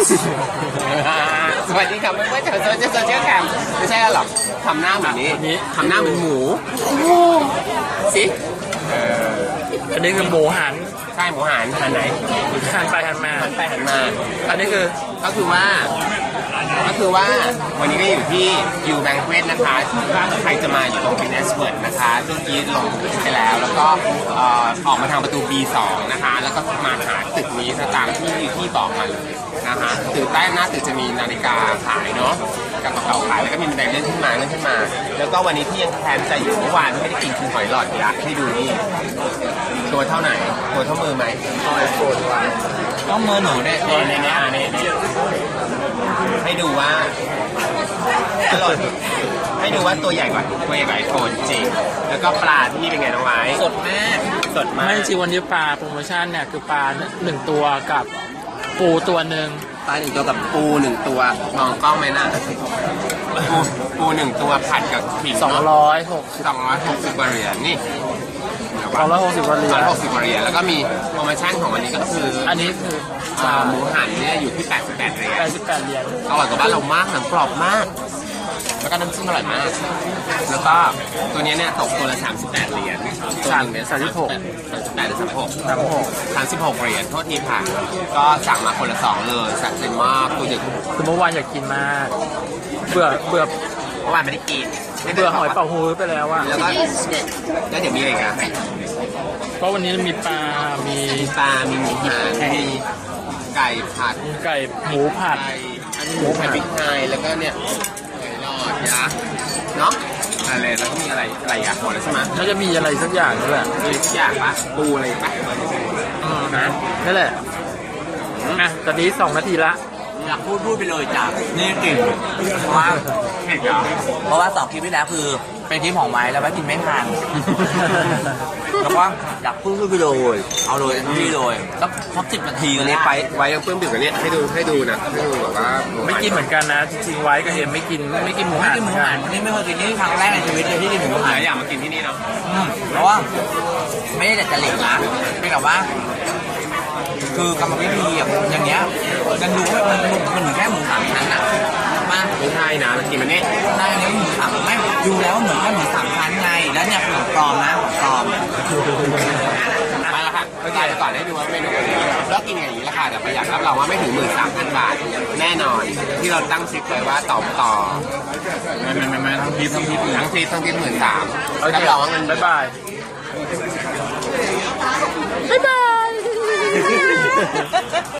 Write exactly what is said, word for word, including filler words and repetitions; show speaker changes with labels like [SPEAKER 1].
[SPEAKER 1] สวัสดีครับเพื่อนๆชาวโซเชียลโซเชียลแคมไม่ใช่หรอกทำหน้าเหมือนนี้ทำหน้าเหมือนหมูสิ
[SPEAKER 2] อันนี้คือหมูหัน
[SPEAKER 1] ใช่หมูหันหันไหน
[SPEAKER 2] หันไปหันมา
[SPEAKER 1] หันไปหันมา
[SPEAKER 2] อันนี้คือ
[SPEAKER 1] ก็คือว่าก็คือว่าวันนี้ก็อยู่ที่ยูแบงเควสนะคะใครจะมาอยู่ตรงฟินเนสเวิร์ดนะคะเมื่อกี้ลงไปแล้วแล้วก็ออกมาทางประตู บี สอง นะคะแล้วก็มาหาตึกนี้ตามที่ที่บอกมาเลยนะคะตึกใต้หน้าตึกจะมีนาฬิกาขายเนาะกับกระเป๋าขายแล้วก็มีบันไดเลื่อนขึ้นมาเลื่อนขึ้นมาแล้วก็วันนี้ที่ยังแทนใจอยู่เมื่อวานไม่ได้กินคือหอยหลอดยักษ์ให้ดูนี่ตัวเท่าไหนตัวเท่ามือไหม
[SPEAKER 2] หอยโฟนว่า
[SPEAKER 1] ต้องมือหนูเนี่ยในในนี้อ่านี่ให้ดูว่าอร่อยให้ดูว่าตัวใหญ่กว่าตัวใหญ่กว่าไอโฟนจริงแล้วก็ปลาที่นี่เป็นไงน้องไม้
[SPEAKER 2] สดมาก
[SPEAKER 1] สดมาก
[SPEAKER 2] ไม่จริงวันนี้ปลาโปรโมชั่นเนี่ยคือปลาหนึ่งตัวกับปูตัวหนึ่ง
[SPEAKER 1] ปลาหนึ่งตัวกับปูหนึ่งตัวมองกล้องไหมนะปูปูหนึ่งตัวผัดกับขิง
[SPEAKER 2] สองร้อยหก
[SPEAKER 1] สองร้อยหกสิบเหรียญนี่
[SPEAKER 2] สองร้อยหกสิบเหรียญ
[SPEAKER 1] สองร้อยหกสิบเหรียญแล้วก็มีโปรโมชั่นของวันนี้ก็คือ
[SPEAKER 2] อันนี้คือ
[SPEAKER 1] หมูหันเนี่ยอยู่ที่แปดสิบแปดเหรียญ
[SPEAKER 2] แปดสิบแปดเหรียญ
[SPEAKER 1] อร่อยกว่าบ้านเรามากหนังกรอบมากแล้วก็น้ำจิ้มอร่อยมากแล้วก็ตัวนี้เนี่ยตกตัวละสามสิบแปดเหรียญ
[SPEAKER 2] สามสามสิบหก
[SPEAKER 1] สามสิบแปดหรือสามสิบหก
[SPEAKER 2] สามสิบหก
[SPEAKER 1] สามสิบหกเหรียญโทษทีค่ะก็สั่งมาคนละสองเลยสั่งเต็มมากตัวใหญ่
[SPEAKER 2] คือเมื่อวานอยากกินมากเบื่อเบื่อ
[SPEAKER 1] เมื่อวานไม่ได้กิน
[SPEAKER 2] เบื่อหอยเป่าฮูไปแล้วอ่ะ
[SPEAKER 1] แล้วก็แล้วเดี๋ยวมีอะไรกัน
[SPEAKER 2] เพราะวันนี้มีปลามี
[SPEAKER 1] ปลามีหมูหันมีไก่ผัด
[SPEAKER 2] ไก่หมูผัด
[SPEAKER 1] อันนี้หมูผัดพริกไทยแล้วก็เนี่ยไก่รอดยักษ์เนาะอะไรแล้วก็มีอะไรอะไรอ่ะหมดแล้วใช่ไหม
[SPEAKER 2] น่าจะมีอะไรสักอย่างนี่แหละ
[SPEAKER 1] มีสักอย่างปะปูอะไรปะ
[SPEAKER 2] นะนั่นแหละอ่ะตอนนี้สองนาทีละ
[SPEAKER 3] อยากพูดพูดไปเลยจ้ะนี่กลิ่นเพราะว่าเพราะว่าสองคลิปที่แล้วคือเป็นคลิปของไม้แล้วไว้กินไม่ทันแล้วก็อยากพูดพูดไปเลยเอาเลยที่เลยสักสักสิบนาที
[SPEAKER 1] กันนี้ไปไว้ยังเพิ่มดื่มกันนี้ให้ดูให้ดูนะให้ดูแบบว่า
[SPEAKER 2] ไม่กินเหมือนกันนะจริงๆไว้ก็เห็นไม่กินไม่กินหมูหัน
[SPEAKER 3] หมูหันนี่ไม่เคยกินนี่ครั้งแรกในชีวิตเลยที่กินหมูหัน
[SPEAKER 1] อยากมากินที่นี่เนาะ
[SPEAKER 3] เพราะว่าไม่ได้แต่จะเหล็กนะเป็นแบบว่าคือกรรมวิธีอย่างเงี้ยยังดูว่ามันมันเหมือนแค่หมูสามชั้นอ่ะมา
[SPEAKER 1] ไม่ใช่นะมันกินมันนี่
[SPEAKER 3] ได้เนี่ยหมูสามไม่ดูแล้วเหมือนแค่หมูสามชั้นไงแล้วเนี่ยของปลอมนะของปลอม
[SPEAKER 1] มาแล้วค่ะก็จ่ายก่อนให้ดูว่าเมนูนี้แล้วกินอย่างนี้ราคาแต่ประหยัดรับรองว่าไม่ถึงหมื่นสามพันบาทแน่นอนที่เราตั้งซิปไว้ว่าต่อต่อ
[SPEAKER 2] ไม่ไม่ไม่ไม่ทั้งทิปทั้งทิป
[SPEAKER 1] ทั้งทิปทั้งทิปหมื่นสาม
[SPEAKER 2] รับรองว่าเงินบ๊ายบายบ๊ายบาย